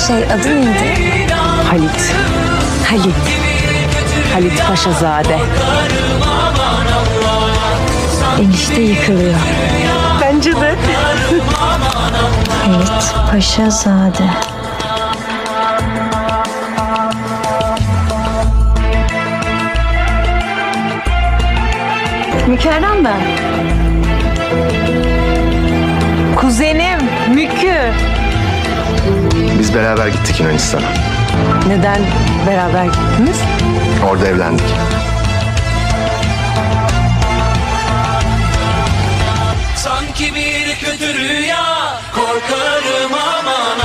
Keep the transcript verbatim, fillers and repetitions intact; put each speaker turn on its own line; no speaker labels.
Şey adı neydi?
Halit.
Halit.
Halit Paşazade.
Enişte yıkılıyor.
Bence de.
Halit Paşazade.
Mükerrem ben. Kuzenim Mükü.
Biz beraber gittik Yunanistan'a.
Neden beraber gittiniz?
Orada evlendik.
Sanki bir kötü rüya, korkarım aman